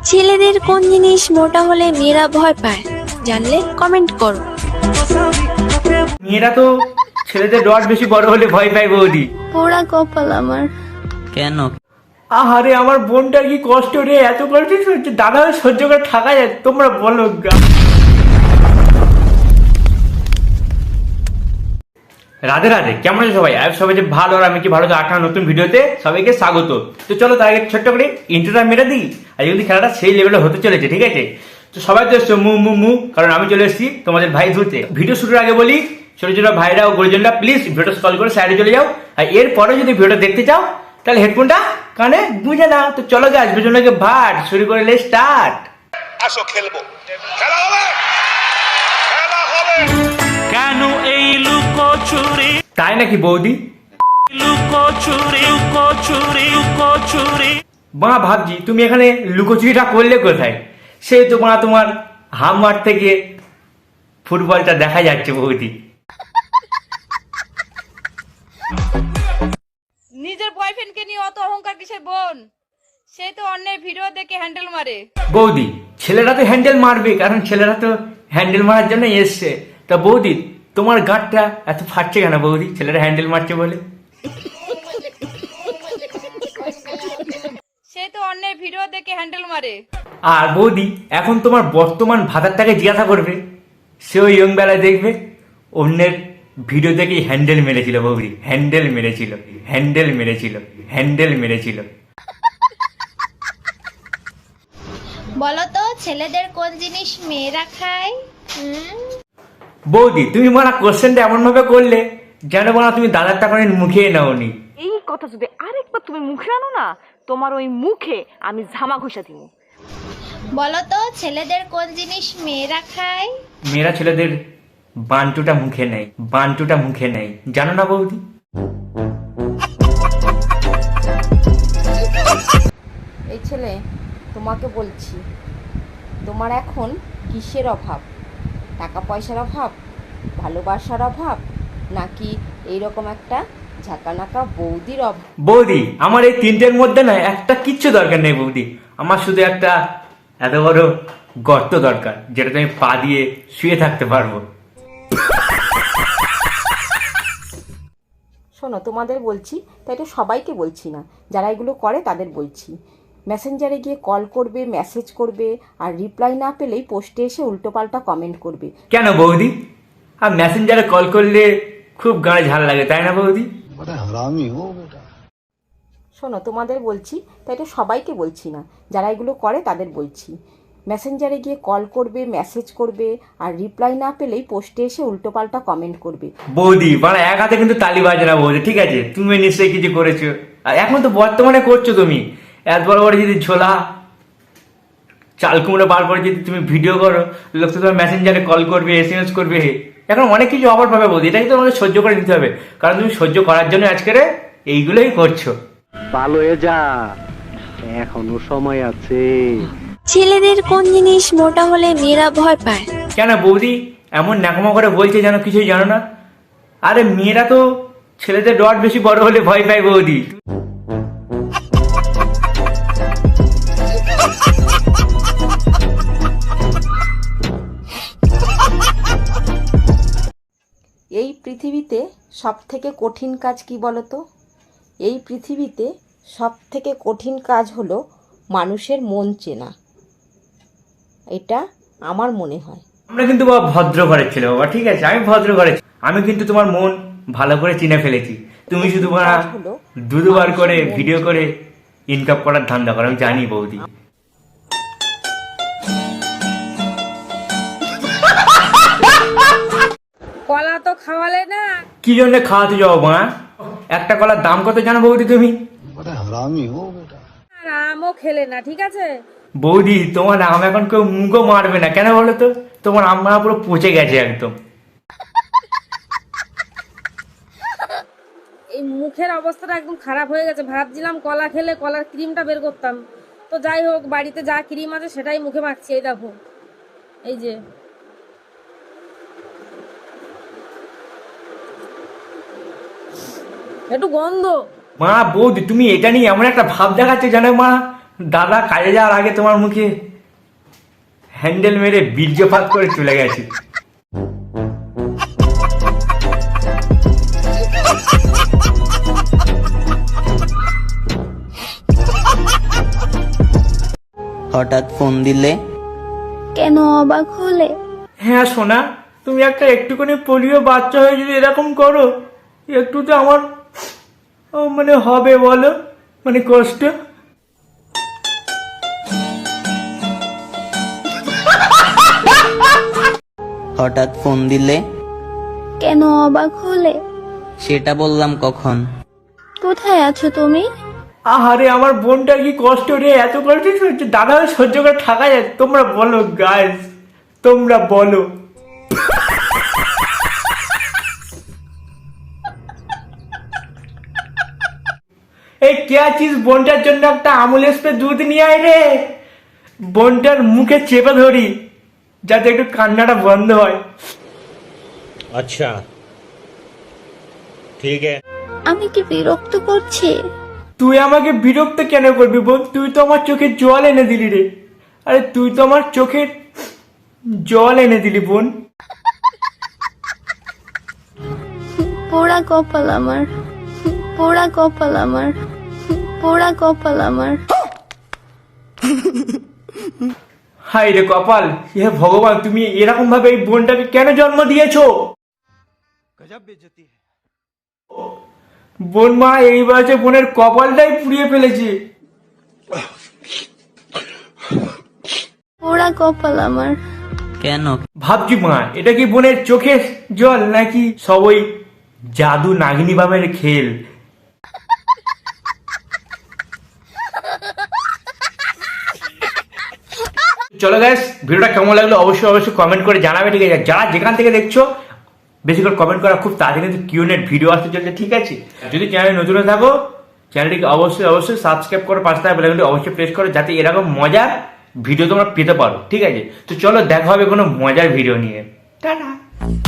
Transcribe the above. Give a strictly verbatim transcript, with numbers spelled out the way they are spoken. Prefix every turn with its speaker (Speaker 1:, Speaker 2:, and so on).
Speaker 1: ছেলেদের কোন জিনিস মোটা হলে মেয়েরা ভয় পায় জানলে কমেন্ট করো।
Speaker 2: মেয়েরা তো ছেলেদের রড বেশি বড় হলে ভয় পায় বৌদি।
Speaker 1: পোড়া কপাল আমার।
Speaker 3: কেন?
Speaker 2: আহারে আমার বোনটার কি কষ্ট রে, এত কষ্ট সহ্য দাদা সহ্য করে থাকা যায়? তোমরা বলো গা। রাধে রাধে, কেমন আছে সবাই? আর সবাই যে ভালো, আর আমি কি ভালো, আঠারো নতুন ভিডিওতে সবাইকে স্বাগত। তো চলো তার আগে ছোট্ট করে ইন্ট্রোটা মেরে দিই। আর যদি খেলাটা সেই লেভেলে হতে চলেছে, ঠিক আছে? তো সবাই তো এসছো মু মু মু, কারণ আমি চলে এসেছি তোমাদের ভাই ধরতে। ভিডিও শুরুর আগে বলি, ছোট ছোট ভাইরা ও গুরুজনরা প্লিজ ভিডিওটা স্ক্রল করে সাইডে চলে যাও। আর এরপরে যদি ভিডিওটা দেখতে চাও তাহলে হেডফোনটা কানে গুঁজে নাও। তো চলো গাছ দুজনকে ভাট শুরু করে লে স্টার্ট।
Speaker 4: আসো খেলবো, খেলা হবে, খেলা হবে।
Speaker 5: কেন এই লুকোচুরি
Speaker 2: তাই নাকি বৌদি?
Speaker 5: লুকোচুরি লুকোচুরি লুকোচুরি
Speaker 2: মা ভাবছি তুমি এখানে লুকোচুরিটা করলে কোথায়? সেই তো মা তোমার হামমার থেকে ফুটবলটা দেখা যাচ্ছে বৌদি।
Speaker 6: নিজের বয়ফ্রেন্ডকে নিয়ে অত অহংকার কিসের বোন? সে তো অন্যের ভিডিও দেখে হ্যান্ডেল মারে।
Speaker 2: বৌদি ছেলেরা তো হ্যান্ডেল মারবে, কারণ ছেলেরা তো হ্যান্ডেল মারার জন্য এসছে। তা বৌদি তোমার গাঁটটা এত ফাটছে কেন বৌদি, ছেলেরা হ্যান্ডেল মারছে বলে?
Speaker 6: সে তো অন্যের ভিডিও দেখে হ্যান্ডেল মারে।
Speaker 2: আর বৌদি এখন তোমার বর্তমান ভাতারটাকে জিজ্ঞাসা করবে, সেও ইয়ং বেলায় দেখবে অন্যের ভিডিও দেখেই হ্যান্ডেল মেরেছিল বৌদি, হ্যান্ডেল মেরেছিল, হ্যান্ডেল মেরেছিল, হ্যান্ডেল মেরেছিল।
Speaker 7: বলতো ছেলেদের কোন জিনিস মেয়েরা খায়?
Speaker 2: বৌদি তুমি মারা কোশ্চেনটা এমন ভাবে করলে যেন বলা তুমি দাদার টাকা মুখে নাওনি।
Speaker 8: এই কথা যদি আরেকবার তুমি মুখে আনো না, তোমার ওই মুখে আমি ঝামা ঘষা দিব।
Speaker 7: বলতো ছেলেদের কোন জিনিস মেয়েরা খায়?
Speaker 2: মেয়েরা ছেলেদের বান্টুটা মুখে নেয়, বান্টুটা মুখে নেয়, জানো না বৌদি?
Speaker 6: এই ছেলে, তোমাকে বলছি, তোমার এখন কিসের অভাব? টাকা পয়সার অভাব, ভালোবাসার অভাব, নাকি এইরকম একটা ঝাঁকানাকা বৌদির অভাব?
Speaker 2: বৌদি আমার এই তিনটের মধ্যে না একটা কিচ্ছু দরকার নেই বৌদি। আমার শুধু একটা এত বড় গর্ত দরকার, যেটা তুমি পা দিয়ে শুয়ে থাকতে পারবো।
Speaker 6: শোনো, তোমাদের বলছি, তাই তো সবাইকে বলছি না, যারা এগুলো করে তাদের বলছি। মেসেঞ্জারে গিয়ে কল করবে, মেসেজ করবে, আর রিপ্লাই না পেলেই পোস্টে এসে উল্টোপাল্টা কমেন্ট করবে।
Speaker 2: কেন বৌদি? আর মেসেঞ্জারে কল করলে খুব গায়ে ঝাল লাগে, তাই না বৌদি?
Speaker 6: শোনো, তোমাদের বলছি, তাই তো সবাইকে বলছি না, যারা এগুলো করে তাদের বলছি। মেসেঞ্জারে গিয়ে কল করবে, মেসেজ করবে, আর রিপ্লাই না পেলেই পোস্টে এসে উল্টোপাল্টা কমেন্ট করবে।
Speaker 2: বৌদি মানে এক হাতে কিন্তু তালি বাজে না বৌদি, ঠিক আছে? তুমি নিশ্চয়ই কিছু করেছো, আর এখন তো বর্তমানে করছো তুমি। এত বড় বড় যদি ঝোলা চাল কুমড়ো বার করে যদি তুমি ভিডিও করো, লোক তো তোমার মেসেঞ্জারে কল করবে, এস এম এস করবে, এখন অনেক কিছু অফার পাবে বৌদি। এটা কিন্তু তোমাকে সহ্য করে নিতে হবে, কারণ তুমি সহ্য করার জন্য আজকের এইগুলোই করছো।
Speaker 9: ভালো হয়ে যা, এখনো সময় আছে।
Speaker 1: ছেলেদের কোন জিনিস মোটা হলে মেয়েরা ভয় পায়?
Speaker 2: কেন বৌদি এমন ন্যাকমা করে বলছে যেন কিছুই জানো না? আরে মেয়েরা তো ছেলেদের রড বেশি বড় হলে ভয় পায় বৌদি।
Speaker 6: এই পৃথিবীতে সব থেকে কঠিন কাজ কি বলো তো? এই পৃথিবীতে সব থেকে কঠিন কাজ হলো মানুষের মন চেনা। এটা আমার মনে হয়।
Speaker 2: আমরা কিন্তু বাবা ভদ্র ঘরের ছেলে বাবা, ঠিক আছে? আমি ভদ্র ঘরের, আমি কিন্তু তোমার মন ভালো করে চিনে ফেলেছি। তুমি শুধু বাবা দু দুবার করে ভিডিও করে ইনকাম করার ধান্দা করো, আমি জানি বৌদি।
Speaker 6: কলা তো খাওয়ালে না।
Speaker 2: কি জন্য খাওয়াতে যাও মা? একটা কলার দাম কত জানো বৌদি তুমি?
Speaker 6: আর আমও খেলে না, ঠিক আছে?
Speaker 2: বৌদি তোমার আম এখন কেউ মুখও মারবে না, কেন বলো তো? তোমার আম মারা পুরো পচে গেছে একদম।
Speaker 6: এই মুখের অবস্থাটা একদম খারাপ হয়ে গেছে। ভাবছিলাম কলা খেলে কলার ক্রিমটা বের করতাম, তো যাই হোক, বাড়িতে যা ক্রিম আছে সেটাই মুখে মাখছি। এই দেখো, এই যে একটু গন্ধ।
Speaker 2: মা বৌদি তুমি এটা নিয়ে এমন একটা ভাব দেখাচ্ছে জানো মা, দাদা কাজে যাওয়ার আগে তোমার মুখে হ্যান্ডেল মেরে বীর্যপাত করে চলে গেছি।
Speaker 3: হঠাৎ ফোন দিলে?
Speaker 1: কেন অবাক হলে?
Speaker 2: হ্যাঁ সোনা, তুমি একটা একটুখানি পোলিও বাচ্চা হয়ে যদি এরকম করো, একটু তো আমার ও মানে হবে বলো, মানে কষ্ট।
Speaker 3: হঠাৎ ফোন দিলে?
Speaker 1: কেন অবাক হলে?
Speaker 3: সেটা বললাম কখন।
Speaker 1: কোথায় আছো তুমি?
Speaker 2: আহারে আমার বোনটার কি কষ্ট রে, এত কষ্ট হচ্ছে দাদা সহ্য করে থাকা যায়? তোমরা বলো গাইস, তোমরা বলো। এই কে আছিস? বোনটার জন্য একটা আমুল স্প্রে দুধ নিয়ে আয় রে, বোনটার মুখে চেপে ধরি যাতে একটু কান্নাটা বন্ধ হয়।
Speaker 4: अच्छा ठीक है।
Speaker 1: আমি কি বিরক্ত করছি?
Speaker 2: তুই আমাকে বিরক্ত কেন করবি বোন? তুই তো আমার চোখে জল এনে দিলি রে। আরে তুই তো আমার চোখে জল এনে দিলি বোন।
Speaker 1: পোড়া কপাল আমার, পোড়া কপাল আমার, পোড়া কপাল আমার।
Speaker 2: হাই রে কপাল, হে ভগবান, তুমি এরকম ভাবে এই বোনটাকে কেন জন্ম দিয়েছো? বোন মা এই বয়সে বোনের কপালটাই পুড়িয়ে ফেলেছে।
Speaker 1: পোড়া কপাল আমার।
Speaker 3: কেন?
Speaker 2: ভাবছি মা, এটা কি বোনের চোখের জল নাকি সব ওই জাদু নাগিনী বামের খেল? চলো গাইস, ভিডিওটা কেমন লাগলো অবশ্যই অবশ্যই কমেন্ট করে জানাবে, ঠিক আছে? যারা যেখান থেকে দেখছো বেশি করে কমেন্ট করা, খুব তাড়াতাড়ি কিন্তু কিউনেট ভিডিও আসতে চলছে, ঠিক আছে? যদি চ্যানেলে নতুন হয়ে থাকো চ্যানেলটিকে অবশ্যই অবশ্যই সাবস্ক্রাইব করে পাশে থাকা বেল আইকনটি অবশ্যই প্রেস করো, যাতে এরকম মজার ভিডিও তোমরা পেতে পারো, ঠিক আছে? তো চলো দেখা হবে কোনো মজার ভিডিও নিয়ে। টাটা।